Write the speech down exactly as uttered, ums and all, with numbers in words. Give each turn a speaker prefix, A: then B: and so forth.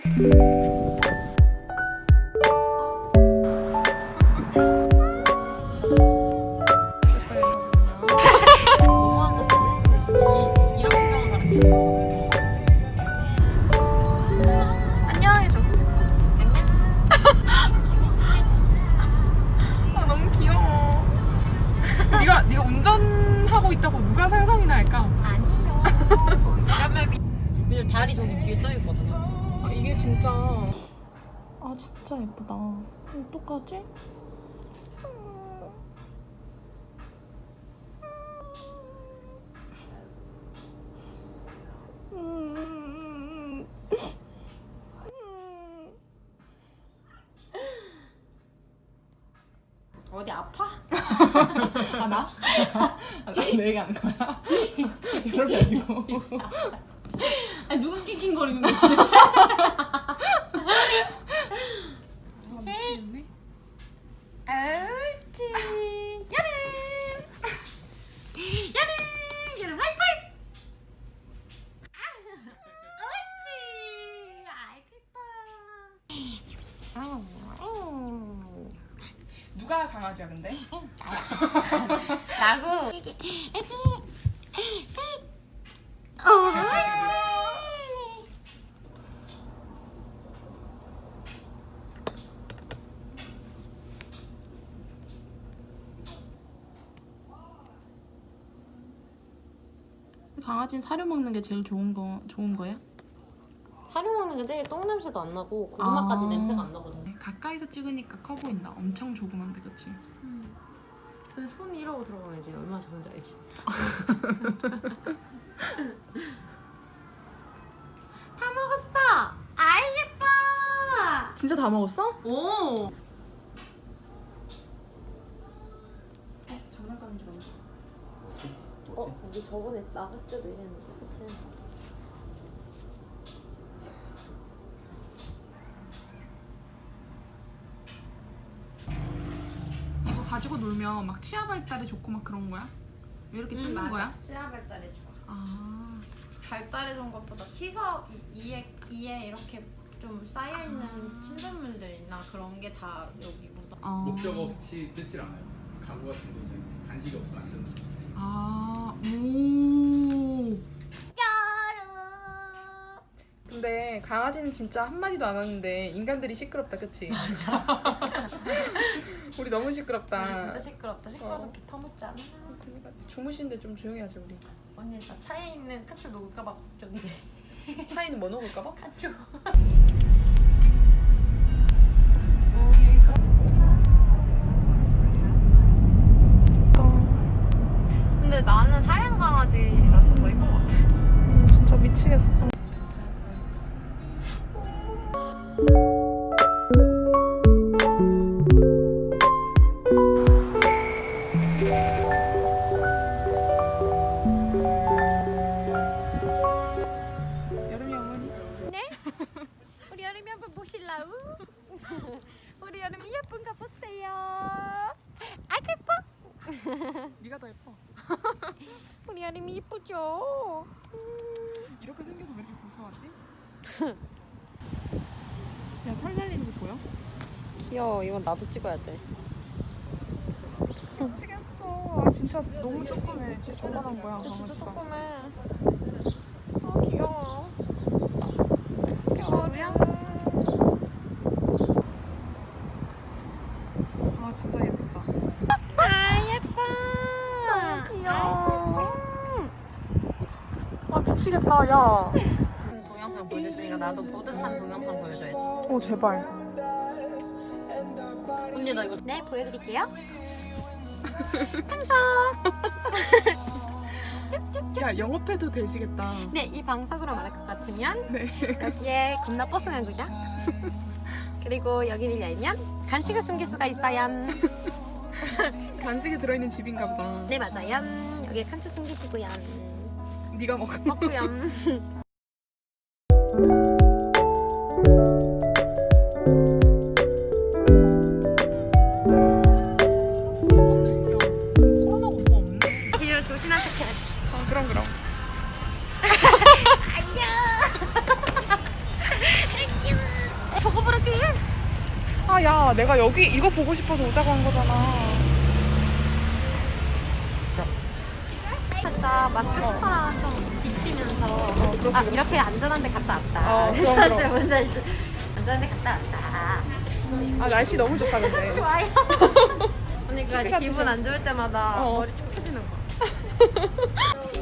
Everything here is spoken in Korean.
A: 네가 운전하고 있다고 누가 상상이나 할까?
B: 아니요. 왜냐면 다리 저기 뒤에 떠 있거든.
A: 아, 이게 진짜 아 진짜 예쁘다. 어떡하지?
B: 어디 아파?
A: 아 나? 아, 나 내 얘기하는 거야? 이런 게 아니고.
B: 아니 누가 낑낑거리는 거야 도대체?
A: 아 미치겠네.
B: 옳지. 야름. 야름. 야름 하이파이브. 옳지. 아이고 이뻐.
A: 누가 강아지야 근데?
B: 나고. 옳지.
A: 강아지는 사료 먹는 게 제일 좋은 거 좋은 거야?
B: 사료 먹는 게 제일 똥 냄새도 안 나고 고구마까지
A: 아.
B: 냄새가 안 나거든.
A: 가까이서 찍으니까 커 보인다. 엄청 조그만데 그치?
B: 음. 근데 손이 이러고 들어가면 이제 얼마나 작은지 알지? 다 먹었어! 아이 예뻐!
A: 진짜 다 먹었어?
B: 오!
A: 어? 장난감인 줄 알았어.
B: 어? 우리 저번에 나갔을 때도 이랬는데 그치?
A: 이거 가지고 놀면 막 치아 발달에 좋고 막 그런 거야? 왜 이렇게 뜯는
B: 맞아.
A: 거야?
B: 치아 발달에 좋아.
A: 아,
B: 발달해 좋은 것보다 치석 이- 이에 이에 이렇게 좀 쌓여 있는
A: 아.
B: 침전물들이나 그런 게 다 여기보다.
A: 어.
C: 목적 없이 뜯질 않아요. 가구 같은 거 이제 간식이 없으면 안 뜯는 거죠.
A: 아, 오. 근데 강아지는 진짜 한마디도 안 하는데 인간들이 시끄럽다, 그치? 맞아. 우리 너무 시끄럽다.
B: 우리 진짜 시끄럽다. 시끄러워서
A: 어.
B: 개 파묻지 않아?
A: 그러니까 주무시는데 좀 조용히 하자, 우리.
B: 언니 나 차에 있는 카츄 녹을까봐 걱정돼.
A: 차이는 뭐 넣을까봐?
B: 카츄. 근데 나는 하얀 강아지라서 더 이쁜 것 같아.
A: 진짜 미치겠어. 여름이 어머니?
B: 우리 여름이 한번 보실라우? 우리 여름이 예쁜가 보세요. 아이고 예뻐.
A: 네가 더 예뻐.
B: 우리 여름이 예쁘죠?
A: 이렇게 생겨서 왜 이렇게 고소하지? 야, 털 날리는 거 보여?
B: 귀여워. 이건 나도 찍어야 돼.
A: 미치겠어. 아, 진짜 너무 조그매. 진짜 저만한 거야,
B: 진짜
A: 강아지가.
B: 조그매. 아 귀여워.
A: 귀여우야? 아, 진짜 예쁘다.
B: 아 예뻐. 너무 귀여워.
A: 아, 미치겠다, 야.
B: 동영상 보여줬으니까 나도 뿌듯한 동영상 보여줘야지.
A: 어, 제발.
B: 언니 나 이거 네 보여드릴게요. 방석.
A: 야, 영업해도 되시겠다.
B: 네, 이 방석으로 말할 것 같으면
A: 네.
B: 여기에 겁나 뽀송한 구자. 그리고 여기를 열면 간식을 숨길 수가 있어요.
A: 간식이 들어있는 집인가 보다.
B: 네 맞아요. 여기에 칸추 숨기시고요.
A: 네가 먹어.
B: 먹고요.
A: 코로나가 뭐 없네.
B: 뒤로 조신한 척 해야지.
A: 아, 그럼, 그럼.
B: 안녕. 안녕.
A: 아, 야, 내가 여기 이거 보고 싶어서 오자고 한 거잖아.
B: 살짝 마스크랑 좀 비치면서
A: 어, 그렇지,
B: 아
A: 그렇지.
B: 이렇게 안전한 데 갔다 왔다.
A: 어, 그럼, 그럼.
B: 뭔지 알지? 안전한 데 갔다 왔다.
A: 아, 날씨 너무 좋다, 근데.
B: 좋아요. 언니 그
A: 커피
B: 기분
A: 같은
B: 안 좋을 때마다
A: 어.
B: 머리 촉 쳐지는 거.